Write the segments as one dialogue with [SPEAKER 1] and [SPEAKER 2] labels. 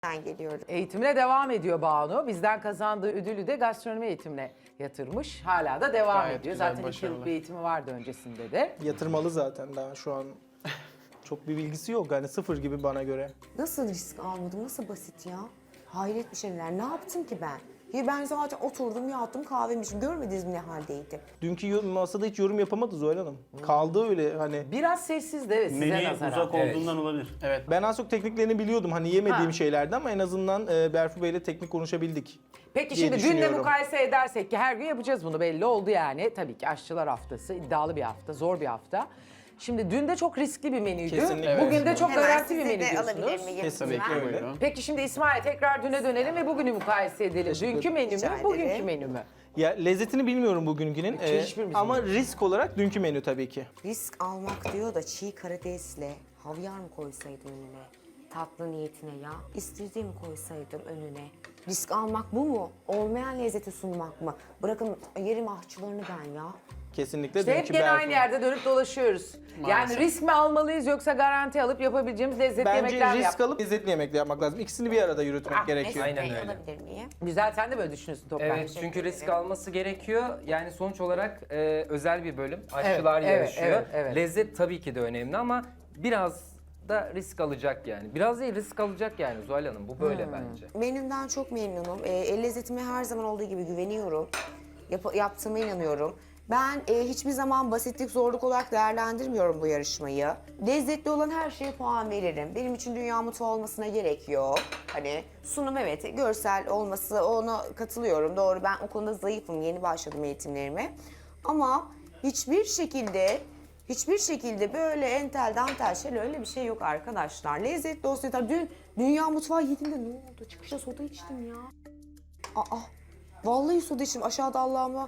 [SPEAKER 1] geliyorum.
[SPEAKER 2] Eğitimine devam ediyor Banu. Bizden kazandığı ödülü de gastronomi eğitimine yatırmış. Hala da devam
[SPEAKER 3] Gayet
[SPEAKER 2] ediyor.
[SPEAKER 3] güzel,
[SPEAKER 2] Zaten 2
[SPEAKER 3] başarılı.
[SPEAKER 2] yıllık bir eğitimi vardı öncesinde de.
[SPEAKER 4] Yatırmalı zaten daha şu an. Çok bir bilgisi yok yani sıfır gibi bana göre.
[SPEAKER 1] Nasıl risk almadım? Nasıl basit ya? Hayret bir şeyler. Ne yaptım ki ben? Ya ben zaten oturdum, yattım, kahvemi içtim. Görmediniz mi ne haldeydim?
[SPEAKER 4] Dünkü masada hiç yorum yapamadı Zuhal Hanım. Kaldı öyle hani.
[SPEAKER 2] Biraz sessiz de evet, size
[SPEAKER 5] Menüye
[SPEAKER 2] nazaran.
[SPEAKER 5] uzak olduğundan olabilir.
[SPEAKER 3] Evet.
[SPEAKER 4] Ben az çok tekniklerini biliyordum hani yemediğim
[SPEAKER 2] Ha.
[SPEAKER 4] şeylerdi ama en azından Berfu Bey'le teknik konuşabildik.
[SPEAKER 2] Peki
[SPEAKER 4] diye
[SPEAKER 2] şimdi dünle
[SPEAKER 4] düşünüyorum.
[SPEAKER 2] mukayese edersek ki her gün yapacağız bunu, belli oldu yani. Tabii ki aşçılar haftası, iddialı bir hafta, zor bir hafta. Şimdi dün de çok riskli bir menüydü.
[SPEAKER 4] Kesinlikle.
[SPEAKER 2] Bugün de çok
[SPEAKER 1] Hemen
[SPEAKER 2] garanti bir
[SPEAKER 1] sizi
[SPEAKER 2] menü
[SPEAKER 1] de alabilir
[SPEAKER 2] diyorsunuz.
[SPEAKER 1] miyim?
[SPEAKER 4] Kesinlikle
[SPEAKER 1] lütfen?
[SPEAKER 4] öyle.
[SPEAKER 3] Buyurun.
[SPEAKER 2] Peki şimdi İsmail tekrar düne dönelim ve bugünü mukayese edelim.
[SPEAKER 4] Teşekkür
[SPEAKER 2] Dünkü menü mü,
[SPEAKER 1] Rica
[SPEAKER 2] bugünkü
[SPEAKER 1] ederim.
[SPEAKER 2] menü mü?
[SPEAKER 4] Ya lezzetini bilmiyorum bugünkünün
[SPEAKER 2] hiçbirimiz
[SPEAKER 4] ama risk olarak dünkü menü tabii ki.
[SPEAKER 1] Risk almak diyor da çiğ karidesle havyar mı koysaydım önüne? Tatlı niyetine ya. İstediğimi koysaydım önüne. Risk almak bu mu? Olmayan lezzeti sunmak mı? Bırakın yerim ahçılarını ben ya.
[SPEAKER 4] Kesinlikle
[SPEAKER 2] İşte hep
[SPEAKER 4] dünkü
[SPEAKER 2] gene
[SPEAKER 4] Berfu.
[SPEAKER 2] aynı yerde dönüp dolaşıyoruz. Yani
[SPEAKER 3] Maalesef.
[SPEAKER 2] risk mi almalıyız yoksa garanti alıp yapabileceğimiz lezzetli
[SPEAKER 4] Bence
[SPEAKER 2] yemekler mi
[SPEAKER 4] risk
[SPEAKER 2] yap?
[SPEAKER 4] alıp lezzetli yemekle yapmak lazım. İkisini bir arada yürütmek gerekiyor.
[SPEAKER 1] Mesut Bey,
[SPEAKER 6] Aynen öyle.
[SPEAKER 1] alabilir miyim?
[SPEAKER 2] Güzel, sen de böyle düşünüyorsun Toprak.
[SPEAKER 6] Evet, çünkü risk alması gerekiyor. Yani sonuç olarak özel bir bölüm. Aşçılar
[SPEAKER 2] Evet, evet,
[SPEAKER 6] yarışıyor.
[SPEAKER 2] evet, evet.
[SPEAKER 6] Lezzet tabii ki de önemli ama biraz da risk alacak yani. Biraz değil, risk alacak yani Zuhal Hanım. Bu böyle bence.
[SPEAKER 1] Menümden çok memnunum. El lezzetime her zaman olduğu gibi güveniyorum. Yaptığıma inanıyorum. Ben hiçbir zaman basitlik, zorluk olarak değerlendirmiyorum bu yarışmayı. Lezzetli olan her şeye puan veririm. Benim için dünya mutfağı olmasına gerek yok. Hani sunum evet, görsel olması, ona katılıyorum. Doğru, ben o konuda zayıfım. Yeni başladım eğitimlerime. Ama hiçbir şekilde böyle entel dantel şeyler, öyle bir şey yok arkadaşlar. Lezzetli olsun yeter. Dün dünya mutfağı yedim de ne oldu? Çıkışta soda içtim ya. Vallahi soda içtim. Aşağıda Allah'ıma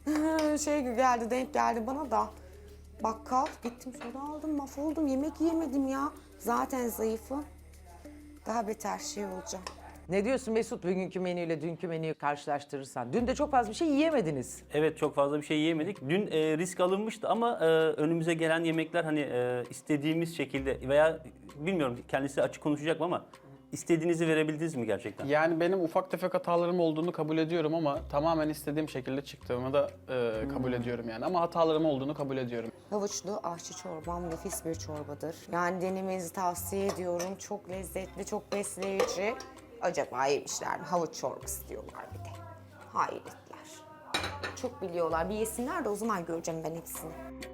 [SPEAKER 1] denk geldi bana da. Bakkal gittim, soda aldım, mahvoldum. Yemek yiyemedim ya. Zaten zayıfım. Daha beter şey olacağım.
[SPEAKER 2] Ne diyorsun Mesut, bugünkü menüyle dünkü menüyü karşılaştırırsan? Dün de çok fazla bir şey yiyemediniz.
[SPEAKER 5] Evet, çok fazla bir şey yiyemedik. Dün risk alınmıştı ama önümüze gelen yemekler hani istediğimiz şekilde veya bilmiyorum kendisi açık konuşacak mı ama istediğinizi verebildiniz mi gerçekten?
[SPEAKER 3] Yani benim ufak tefek hatalarım olduğunu kabul ediyorum ama tamamen istediğim şekilde çıktığımı da kabul ediyorum yani. Ama hatalarım olduğunu kabul ediyorum.
[SPEAKER 1] Havuçlu ahçı çorbam nefis bir çorbadır. Yani denemenizi tavsiye ediyorum. Çok lezzetli, çok besleyici. Acaba yemişler mi? Havuç çorbası diyorlar bir de. Hayretler. Çok biliyorlar. Bir yesinler de o zaman göreceğim ben hepsini.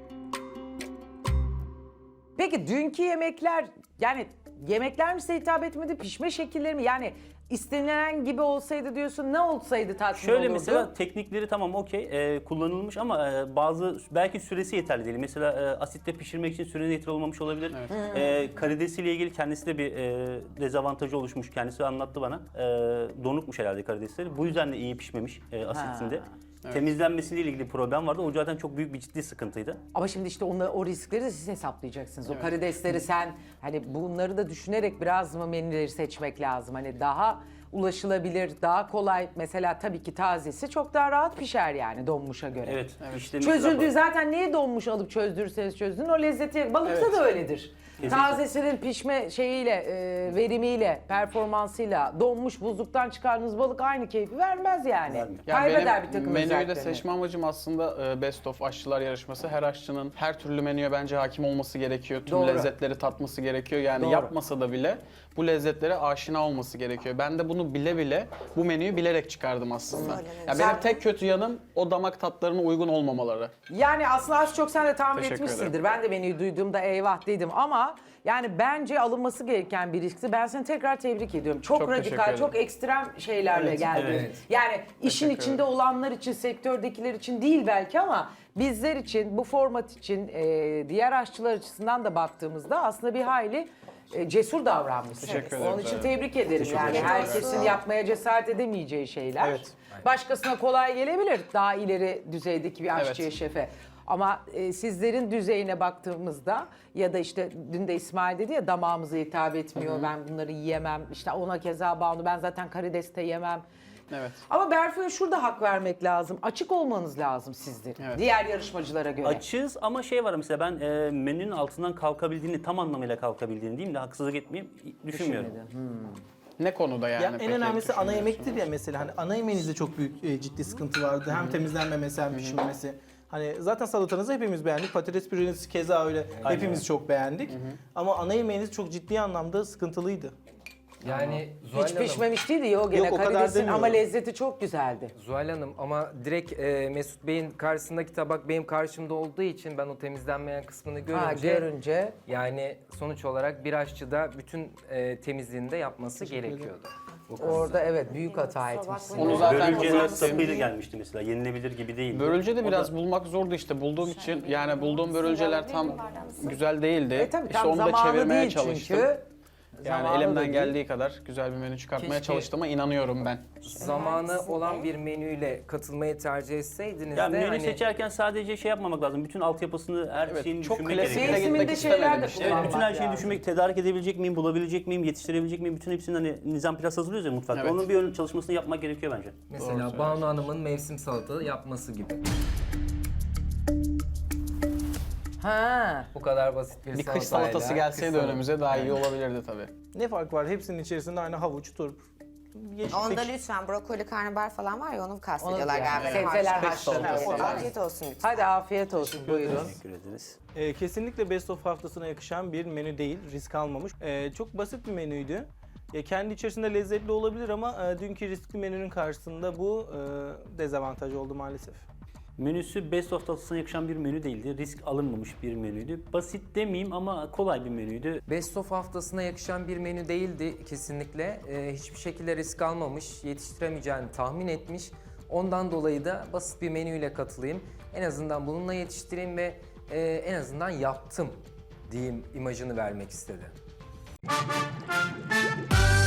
[SPEAKER 2] Peki dünkü yemekler, yani yemekler mi size hitap etmedi, pişme şekilleri mi? Yani istenilen gibi olsaydı diyorsun, ne olsaydı tatmin
[SPEAKER 5] Şöyle
[SPEAKER 2] olurdu?
[SPEAKER 5] mesela teknikleri tamam okey kullanılmış ama bazı belki süresi yeterli değil. Mesela asitte pişirmek için süre yeterli olmamış olabilir. Karidesiyle ilgili kendisi de bir dezavantajı oluşmuş. Kendisi anlattı bana. Donukmuş herhalde karidesleri. Bu yüzden de iyi pişmemiş asitinde. Temizlenmesiyle ilgili problem vardı. O zaten çok büyük bir ciddi sıkıntıydı.
[SPEAKER 2] Ama şimdi işte o riskleri de siz hesaplayacaksınız. O karidesleri sen, hani bunları da düşünerek biraz mı menüleri seçmek lazım? Hani daha ulaşılabilir, daha kolay. Mesela tabii ki tazesi çok daha rahat pişer yani donmuşa göre.
[SPEAKER 5] Evet. işlemi
[SPEAKER 2] Çözüldüğü
[SPEAKER 5] rahat-
[SPEAKER 2] zaten niye donmuş alıp çözdürürseniz çözdün o lezzeti. Balıkta da öyledir. Tazesinin pişme şeyiyle, verimiyle, performansıyla donmuş buzluktan çıkardığınız balık aynı keyfi vermez yani.
[SPEAKER 5] Vermiyor.
[SPEAKER 3] Yani
[SPEAKER 2] Kaybeder bir
[SPEAKER 3] benim
[SPEAKER 2] takım
[SPEAKER 3] menüyü de
[SPEAKER 2] özelliklerini.
[SPEAKER 3] seçme amacım aslında Best of Aşçılar Yarışması. Her aşçının her türlü menüye bence hakim olması gerekiyor. Tüm
[SPEAKER 2] Doğru.
[SPEAKER 3] lezzetleri tatması gerekiyor. Yani
[SPEAKER 2] Doğru.
[SPEAKER 3] yapmasa da bile bu lezzetlere aşina olması gerekiyor. Ben de bunu bile bile bu menüyü bilerek çıkardım aslında.
[SPEAKER 1] Öyle mi?
[SPEAKER 3] Ya benim tek kötü yanım o damak tatlarına uygun olmamaları.
[SPEAKER 2] Yani aslında az çok sen de tahmin
[SPEAKER 3] Teşekkür
[SPEAKER 2] etmişsindir.
[SPEAKER 3] ederim.
[SPEAKER 2] Ben de menüyü duyduğumda eyvah dedim ama yani bence alınması gereken bir riskti. Ben seni tekrar tebrik ediyorum. Çok,
[SPEAKER 3] Çok teşekkür
[SPEAKER 2] radikal,
[SPEAKER 3] ederim.
[SPEAKER 2] çok ekstrem şeylerle geldin.
[SPEAKER 5] evet.
[SPEAKER 2] Yani işin
[SPEAKER 3] Teşekkür
[SPEAKER 2] içinde
[SPEAKER 3] ederim.
[SPEAKER 2] olanlar için, sektördekiler için değil belki ama bizler için, bu format için, diğer aşçılar açısından da baktığımızda aslında bir hayli cesur davranmışsın.
[SPEAKER 3] Teşekkür ederim.
[SPEAKER 2] Onun için tebrik ederim. Yani
[SPEAKER 3] ederim.
[SPEAKER 2] herkesin yapmaya cesaret edemeyeceği şeyler.
[SPEAKER 4] Evet.
[SPEAKER 2] Başkasına kolay gelebilir daha ileri düzeydeki bir aşçıya,
[SPEAKER 3] Evet.
[SPEAKER 2] şefe. Ama sizlerin düzeyine baktığımızda ya da işte dün de İsmail dedi ya damağımıza hitap etmiyor, ben bunları yiyemem. İşte ona keza Banu, ben zaten karides de yemem.
[SPEAKER 3] Evet.
[SPEAKER 2] Ama Berfu'ya şurada hak vermek lazım. Açık olmanız lazım sizlerin.
[SPEAKER 3] Evet.
[SPEAKER 2] Diğer yarışmacılara göre.
[SPEAKER 5] Açığız ama şey var mesela ben menünün altından kalkabildiğini, tam anlamıyla kalkabildiğini diyeyim de haksızlık etmeyeyim düşünmüyorum.
[SPEAKER 2] Düşünmedin.
[SPEAKER 3] Ne konuda yani?
[SPEAKER 4] Ya en
[SPEAKER 3] peki
[SPEAKER 4] önemlisi ana
[SPEAKER 3] düşünüyorsunuz?
[SPEAKER 4] yemektir ya mesela. Hani ana yemeğinizde çok büyük ciddi sıkıntı vardı. Hem temizlenmemesi hem pişirmemesi. Hani zaten salatanızı hepimiz beğendik. Patates püreniz keza öyle. Hepimiz çok beğendik. Ama ana yemeğiniz çok ciddi anlamda sıkıntılıydı.
[SPEAKER 6] Yani Zuhal
[SPEAKER 2] Hiç
[SPEAKER 6] Hanım,
[SPEAKER 2] pişmemiş değildi ya o gene
[SPEAKER 4] Yok, o kadar
[SPEAKER 2] karidesin
[SPEAKER 4] demiyorum.
[SPEAKER 2] ama lezzeti çok güzeldi.
[SPEAKER 6] Zuhal Hanım ama direkt Mesut Bey'in karşısındaki tabak benim karşımda olduğu için ben o temizlenmeyen kısmını
[SPEAKER 2] Ha,
[SPEAKER 6] görünce
[SPEAKER 2] görünce.
[SPEAKER 6] yani sonuç olarak bir aşçı da bütün temizliğini de yapması gerekiyordu.
[SPEAKER 2] Orada evet büyük hata etmişsin.
[SPEAKER 3] Onu zaten
[SPEAKER 5] Börülceler
[SPEAKER 3] kazanmışsın.
[SPEAKER 5] sapıyla gelmişti mesela. Yenilebilir gibi değildi.
[SPEAKER 3] Börülce de
[SPEAKER 5] O
[SPEAKER 3] biraz
[SPEAKER 5] da-
[SPEAKER 3] bulmak zordu işte bulduğum için. Yani bulduğum börülceler tam güzel değildi.
[SPEAKER 2] Tabii
[SPEAKER 3] İşte
[SPEAKER 2] tam
[SPEAKER 3] onu da
[SPEAKER 2] zamanı
[SPEAKER 3] çevirmeye
[SPEAKER 2] değil
[SPEAKER 3] çalıştım.
[SPEAKER 2] çünkü.
[SPEAKER 3] Yani
[SPEAKER 2] Zamanı da
[SPEAKER 3] elimden
[SPEAKER 2] değil.
[SPEAKER 3] geldiği kadar güzel bir menü çıkartmaya
[SPEAKER 6] Keşke-
[SPEAKER 3] çalıştığıma inanıyorum ben.
[SPEAKER 6] Zamanı olan bir menüyle katılmayı tercih etseydiniz
[SPEAKER 5] Ya
[SPEAKER 6] de
[SPEAKER 5] menü
[SPEAKER 6] hani
[SPEAKER 5] seçerken sadece şey yapmamak lazım. Bütün altyapısını, her
[SPEAKER 3] Evet,
[SPEAKER 5] şeyini
[SPEAKER 3] çok
[SPEAKER 5] düşünmek
[SPEAKER 3] klasik
[SPEAKER 5] gerekiyor.
[SPEAKER 3] de
[SPEAKER 2] Mevsiminde
[SPEAKER 3] gitmek
[SPEAKER 2] şeyler
[SPEAKER 3] istemedim
[SPEAKER 2] de
[SPEAKER 3] işte.
[SPEAKER 5] Evet,
[SPEAKER 2] kullanmak
[SPEAKER 5] bütün her şeyi
[SPEAKER 2] lazım.
[SPEAKER 5] düşünmek, tedarik edebilecek miyim, bulabilecek miyim, yetiştirebilecek miyim? Bütün hepsinin hani nizam biraz hazırlıyoruz ya mutfakta.
[SPEAKER 3] Evet.
[SPEAKER 5] Onun bir ön çalışmasını yapmak gerekiyor bence.
[SPEAKER 6] mesela Banu Hanım'ın mevsim salata yapması gibi.
[SPEAKER 2] Ha.
[SPEAKER 6] Bu kadar basit bir
[SPEAKER 3] Bir kış
[SPEAKER 6] salatayla
[SPEAKER 3] salatası gelseydi
[SPEAKER 6] kış
[SPEAKER 3] önümüze daha iyi olabilirdi tabii.
[SPEAKER 4] Ne fark var? Hepsinin içerisinde aynı havuç, turp, yeşillik.
[SPEAKER 1] Onda lütfen brokoli, karnabahar falan var ya onu kastediyorlar
[SPEAKER 2] Onu yani,
[SPEAKER 1] galiba.
[SPEAKER 2] sebzeler
[SPEAKER 1] Harç-
[SPEAKER 2] haşlanıyor
[SPEAKER 1] Evet,
[SPEAKER 2] falan.
[SPEAKER 1] afiyet olsun lütfen.
[SPEAKER 2] Hadi afiyet olsun buyurun.
[SPEAKER 5] Teşekkür ederiz.
[SPEAKER 4] Kesinlikle Best of haftasına yakışan bir menü değil, risk almamış. Çok basit bir menüydü. Kendi içerisinde lezzetli olabilir ama dünkü riskli menünün karşısında bu dezavantaj oldu maalesef.
[SPEAKER 5] Menüsü Best of tatlısına yakışan bir menü değildi. Risk alınmamış bir menüydü. Basit demeyeyim ama kolay bir menüydü.
[SPEAKER 6] Best of haftasına yakışan bir menü değildi kesinlikle. Hiçbir şekilde risk almamış, yetiştiremeyeceğini tahmin etmiş. Ondan dolayı da basit bir menüyle katılayım. En azından bununla yetiştireyim ve en azından yaptım diyeyim imajını vermek istedi.